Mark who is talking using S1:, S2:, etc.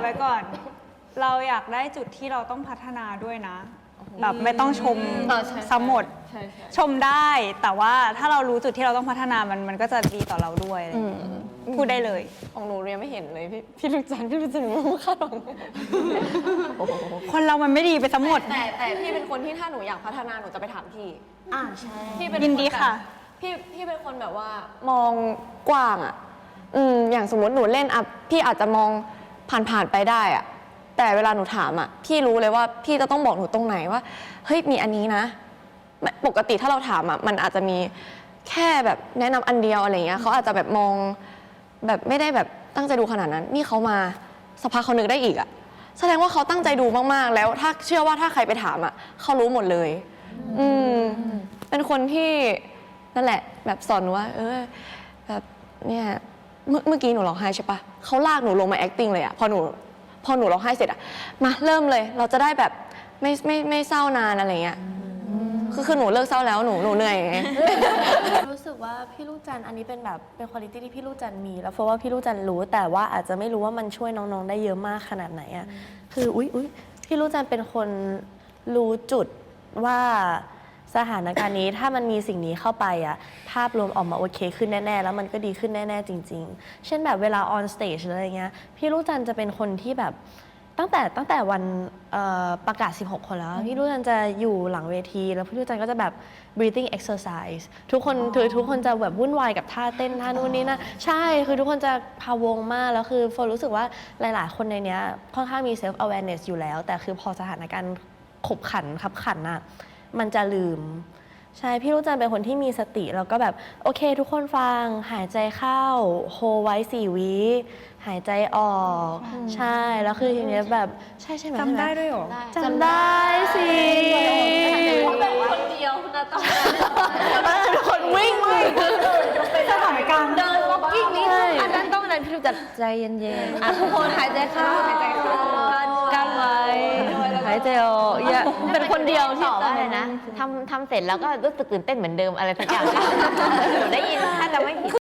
S1: ไว้ก่อน เราอยากได้จุดที่เราต้องพัฒนาด้วยนะแบบไม่ต้องชมซ้ำหมดชมได้แต่ว่าถ้าเรารู้จุดที่เราต้องพัฒนามันก็จะดีต่อเราด้วยพูดได้เลย
S2: ของหนูเรียนไม่เห็นเลยพี่ลูกจันรู้คาดหวัง
S1: คนเรามันไม่ดีไปทั้งหมด
S2: แต่พี่เป็นคนที่ถ้าหนูอยากพัฒนาหนูจะไปถามพี่
S3: ใช่
S2: พี่เป็น
S1: ยินดีค่ะ
S2: พี่เป็นคนแบบว่ามองกว้างอ่ะอย่างสมมติหนูเล่นอ่ะพี่อาจจะมองผ่านไปได้อ่ะแต่เวลาหนูถามอ่ะพี่รู้เลยว่าพี่จะต้องบอกหนูตรงไหนว่าเฮ้ยมีอันนี้นะปกติถ้าเราถามอ่ะมันอาจจะมีแค่แบบแนะนำอันเดียวอะไรเงี้ยเขาอาจจะแบบมองแบบไม่ได้แบบตั้งใจดูขนาดนั้นนี่เขามาสักพักเขานึกได้อีกอ่ะแสดงว่าเขาตั้งใจดูมากๆแล้วถ้าเชื่อว่าถ้าใครไปถามอ่ะเขารู้หมดเลยเป็นคนที่นั่นแหละแบบสอนหนูว่าแบบเนี่ยเมื่อกี้หนูร้องไห้ใช่ปะเขาลากหนูลงมา acting เลยอะพอหนูร้องไห้เสร็จอะมาเริ่มเลยเราจะได้แบบไม่เศร้านานอะไรเงี้ยคือหนูเลิกเศร้าแล้วหนูเหนื่อย
S3: รู้สึกว่าพี่ลูกจันอันนี้เป็นแบบเป็นคุณภาพที่พี่ลูกจันมีแล้วเพราะว่าพี่ลูกจันรู้แต่ว่าอาจจะไม่รู้ว่ามันช่วยน้องๆได้เยอะมากขนาดไหนอะคืออุ๊ยพี่ลูกจันเป็นคนรู้จุดว่าสถานการณ์นี้ถ้ามันมีสิ่งนี้เข้าไปอะภาพรวมออกมาโอเคขึ้นแน่ๆแล้วมันก็ดีขึ้นแน่ๆจริงๆเช่นแบบเวลา on stage อะไรเงี้ยพี่ลูกจันจะเป็นคนที่แบบตั้งแต่วันประกาศ16คนแล้วพี่ลูกจันจะอยู่หลังเวทีแล้วพี่ลูกจันก็จะแบบ breathing exercise ทุกคนจะแบบวุ่นวายกับท่าเต้นท่านู่นนี่นะใช่คือทุกคนจะพะวงมากแล้วคือโฟรู้สึกว่าหลายๆคนในเนี้ยค่อนข้างมี self awareness อยู่แล้วแต่คือพอสถานการณ์ขบขันคับขันอะมันจะลืมใช่พี่ลูกจันเป็นคนที่มีสติแล้วก็แบบโอเคทุกคนฟังหายใจเข้าโฮไว้4 วิหายใจออกใช่แล้วคือทีนี้แบบใช่ไหม
S1: จำได้ด้วยหรอ
S3: จำได้สิ
S2: เขาเป็นคนเดียวนะตอน
S3: นั้นทุกคนวิ่ง
S1: สถานการณ์
S2: เดิน walking นี่
S3: อันนั้นต้องอะไรพี่ลูกจันใจเย็นๆทุกคนหายใจเข้ากันไว้หายใจออกเป็นคนเดียวที่
S4: ตอบว่าอะไรนะทำเสร็จแล้วก็รู้สึกตื่นเต้นเหมือนเดิมอะไรสักอย่างหนูได้ยินถ้าจะไม่ผิด